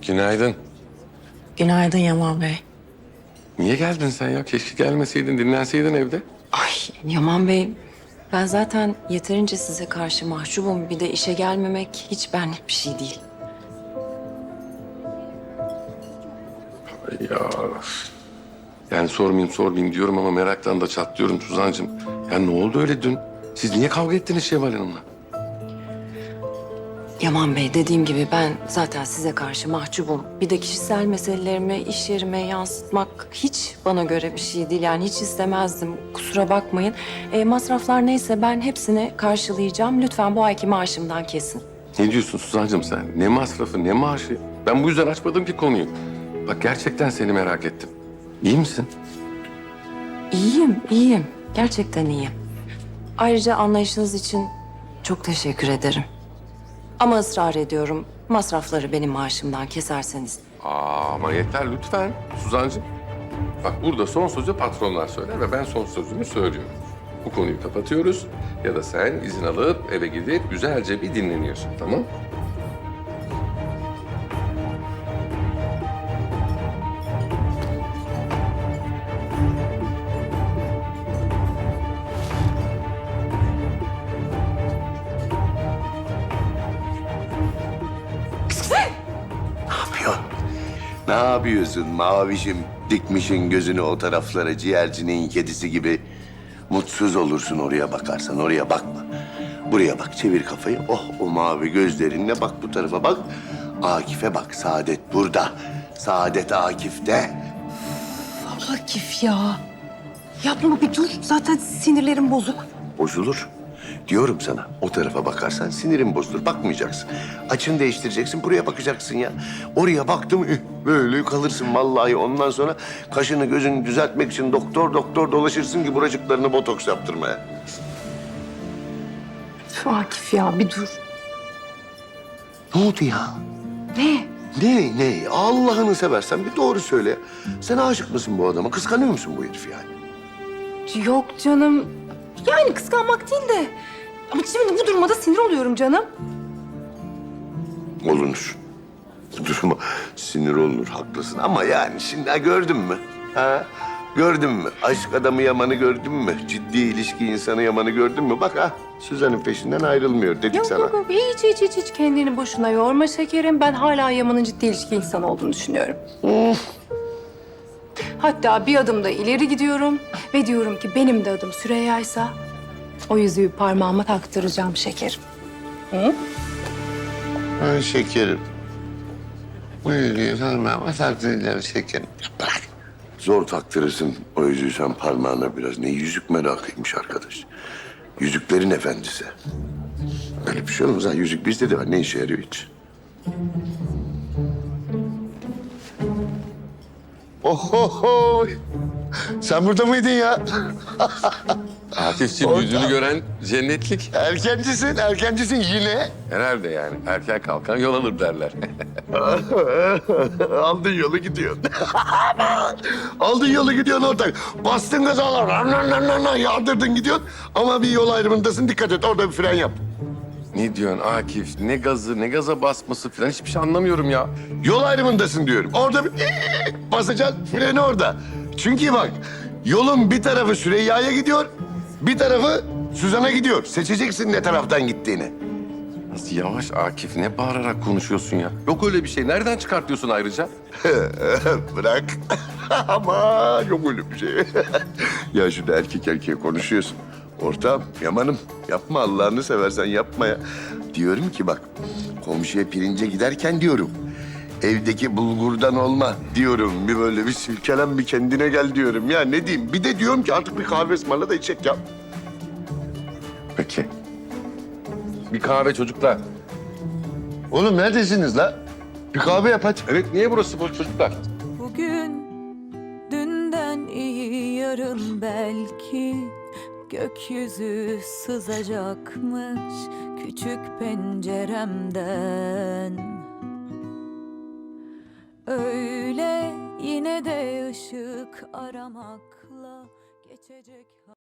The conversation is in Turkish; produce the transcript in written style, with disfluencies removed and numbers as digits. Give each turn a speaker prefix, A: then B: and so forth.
A: Günaydın.
B: Günaydın Yaman Bey.
A: Niye geldin sen ya? Keşke gelmeseydin, dinlenseydin evde.
B: Ay Yaman Bey, ben zaten yeterince size karşı mahcubum. Bir de işe gelmemek hiç benlik bir şey değil.
A: Ya yani sormayayım diyorum ama meraktan da çatlıyorum Suzan'cığım. Ya ne oldu öyle dün? Siz niye kavga ettiniz Şevval Hanım'la?
B: Yaman Bey, dediğim gibi ben zaten size karşı mahcubum. Bir de kişisel meselelerimi iş yerime yansıtmak hiç bana göre bir şey değil. Yani hiç istemezdim. Kusura bakmayın. Masraflar neyse ben hepsini karşılayacağım. Lütfen bu ayki maaşımdan kesin.
A: Ne diyorsun Suzan'cığım sen? Ne masrafı, ne maaşı? Ben bu yüzden açmadım ki konuyu. Bak gerçekten seni merak ettim. İyi misin?
B: İyiyim. Gerçekten iyiyim. Ayrıca anlayışınız için çok teşekkür ederim. Ama ısrar ediyorum. Masrafları benim maaşımdan keserseniz.
A: Ama yeter lütfen Suzan'cığım. Bak burada son sözü patronlar söyler ve ben son sözümü söylüyorum. Bu konuyu kapatıyoruz ya da sen izin alıp eve gidip güzelce bir dinleniyorsun, tamam?
C: Ne yapıyorsun mavişim? Dikmişin gözünü o taraflara ciğercinin kedisi gibi. Mutsuz olursun oraya bakarsan, oraya bakma. Buraya bak, çevir kafayı. Oh, o mavi gözlerinle bak bu tarafa bak. Akif'e bak, Saadet burada. Saadet Akif'te.
D: Akif ya. Yapma bir dur. Zaten sinirlerim bozuk.
C: Bozulur. Diyorum sana, o tarafa bakarsan sinirin bozulur. Bakmayacaksın. Açını değiştireceksin, buraya bakacaksın ya. Oraya baktım, böyle kalırsın vallahi. Ondan sonra kaşını gözünü düzeltmek için doktor dolaşırsın ki buracıklarını botoks yaptırmaya.
D: Üf, Akif ya bir dur.
C: Ne oldu ya?
D: Ne?
C: Ne? Allah'ını seversen bir doğru söyle. Sen aşık mısın bu adama? Kıskanıyor musun bu herifi yani?
D: Yok canım. Yani kıskanmak değil de. Ama şimdi bu duruma da sinir oluyorum canım.
C: Olunur. Bu duruma sinir olunur, haklısın. Ama yani şimdi gördün mü? Ha? Gördün mü? Aşk adamı Yaman'ı gördün mü? Ciddi ilişki insanı Yaman'ı gördün mü? Bak ha, Suzan'ın peşinden ayrılmıyor dedik
D: Yok
C: sana.
D: yok hiç kendini boşuna yorma şekerim. Ben hala Yaman'ın ciddi ilişki insanı olduğunu düşünüyorum. Hatta bir adım da ileri gidiyorum ve diyorum ki benim de adım Süreyya'ysa o yüzüğü parmağıma taktıracağım şekerim.
C: Ay şekerim. Bu yüzüğü parmağıma taktıracağım şekerim. Bırak. Zor taktırırsın o yüzüğü sen parmağına biraz. Ne yüzük merakıymış arkadaş. Yüzüklerin efendisi. Öyle bir şey olmaz ha. Yüzük bizde de var. Ne işe yarıyor hiç? Ohoho! Sen burada mıydın ya?
A: Akif'ciğim yüzünü gören cennetlik.
C: Erkencisin yine.
A: Herhalde yani. Erken kalkan yol alır derler.
C: Aldın yolu gidiyorsun. Aldın yolu gidiyorsun ortak. Bastın gaza, yağdırdın gidiyorsun. Ama bir yol ayrımındasın, dikkat et. Orada bir fren yap.
A: Ne diyorsun Akif? Ne gazı, ne gaza basması falan hiçbir şey anlamıyorum ya.
C: Yol ayrımındasın diyorum. Orada bir basacaksın, freni orada. Çünkü bak, yolun bir tarafı Süreyya'ya gidiyor, bir tarafı Suzan'a gidiyor. Seçeceksin ne taraftan gittiğini.
A: Nasıl yavaş Akif, ne bağırarak konuşuyorsun ya? Yok öyle bir şey. Nereden çıkartıyorsun ayrıca?
C: Bırak. Ama yok öyle bir şey. Ya şurada erkek erkeğe konuşuyorsun. Ortağım, Yaman'ım yapma Allah'ını seversen yapma ya. Diyorum ki bak, komşuya pirince giderken diyorum. Evdeki bulgurdan olma diyorum. Bir böyle bir silkelen bir kendine gel diyorum. Ya ne diyeyim? Bir de diyorum ki artık bir kahve ısmarla da içecek ya.
A: Peki. Bir kahve çocuklar.
C: Oğlum neredesiniz la? Bir kahve yap hadi.
A: Evet, niye burası boş çocuklar?
E: Bugün dünden iyi yarın belki gökyüzü sızacakmış küçük penceremden. Öyle yine de ışık aramakla geçecek.